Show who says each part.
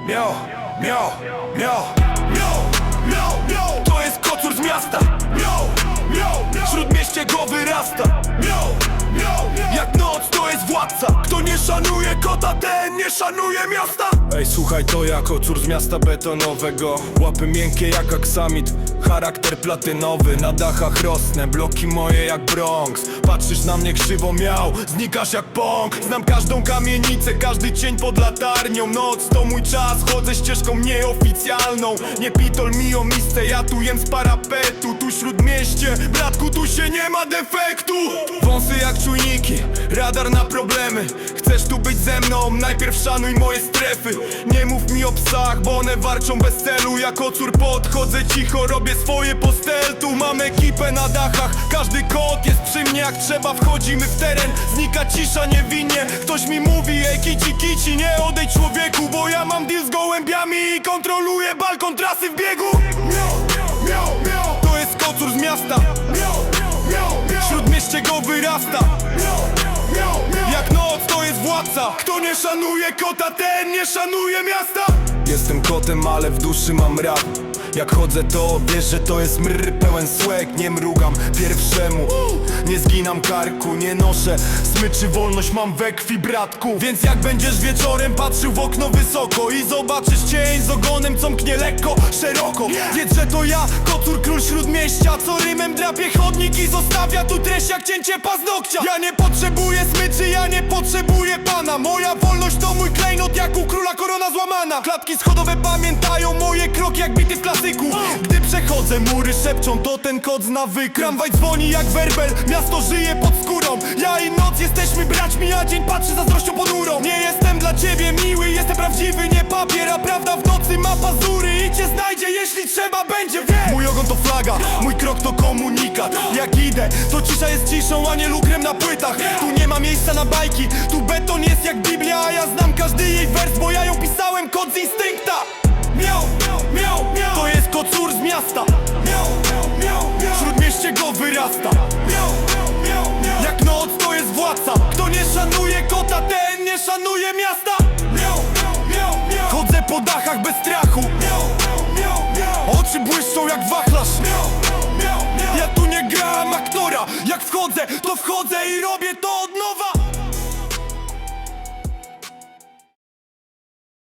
Speaker 1: Miał, to jest kocur z miasta. W śródmieście go wyrasta. Jak noc to jest władca. Kto nie szanuje kota, ten nie szanuje miasta. Ej, słuchaj, to ja kocur z miasta betonowego. Łapy miękkie jak aksamit, charakter platynowy. Na dachach rosnę, bloki moje jak Bronx. Patrzysz na mnie krzywo, miał, znikasz jak pąk. Znam każdą kamienicę, każdy cień pod latarnią. Noc to mój czas, chodzę ścieżką nieoficjalną. Nie pitol mi o misce, ja tu jem z parapetu. Tu śródmieście, bratku, tu się nie ma defektu. Wąsy jak czujniki, radar na problemy. Chcesz tu być ze mną, najpierw szanuj moje strefy. Nie mów mi o psach, bo one warczą bez celu. Ja kocur podchodzę cicho, robię swoje postel. Tu mam ekipę na dachach, każdy kot jest przy mnie. Jak trzeba wchodzimy w teren, znika cisza niewinnie. Ktoś mi mówi, ej kici kici, nie odejdź człowieku, bo ja mam deal z gołębiami i kontroluję balkon trasy w biegu. To jest kocur z miasta. W śródmieście go wyrasta. Jak noc to jest władca. Kto nie szanuje kota, ten nie szanuje miasta. Jestem kotem, ale w duszy mam rap. Jak chodzę to wiesz, że to jest mrr pełen słek. Nie mrugam pierwszemu, nie zginam karku. Nie noszę smyczy, wolność mam we krwi, bratku. Więc jak będziesz wieczorem patrzył w okno wysoko i zobaczysz cień z ogonem, co mknie lekko, szeroko, wiedz, że to ja, kocur, król śródmieścia, co rymem drapie chodnik i zostawia tu treść jak cięcie paznokcia. Ja nie potrzebuję smyczy, ja nie potrzebuję pana. Moja wolność to mój klejnot, jak u króla korona złamana. Klatki schodowe pamiętają moje kroki jak bity w klasyku. Gdy przechodzę, mury szepczą, to ten kot zna wykryw. Tramwaj dzwoni jak werbel, miasto żyje pod skórą. Ja i noc jesteśmy braćmi, a dzień patrzy zazdrością ponurą. Nie jestem dla ciebie miły, jestem prawdziwy, nie papier. A prawda w nocy ma pazury i cię znajdzie, jeśli trzeba będzie, wie. Mój ogon to flaga, mój krok to komunikat. Jak idę, to cisza jest ciszą, a nie lukrem na płytach. Tu nie ma miejsca na bajki, tu beton jest jak Biblia. A ja znam każdy jej wers, bo ja ją pisałem, kot z instynkta. To jest kocur z miasta. W śródmieście go wyrasta. Jak noc to jest władca. Kto nie szanuje kota, ten nie szanuje miasta. Chodzę po dachach bez strachu. Oczy błyszczą jak wachlarz. Ja tu nie gram aktora. Jak wchodzę, to wchodzę i robię to od nowa.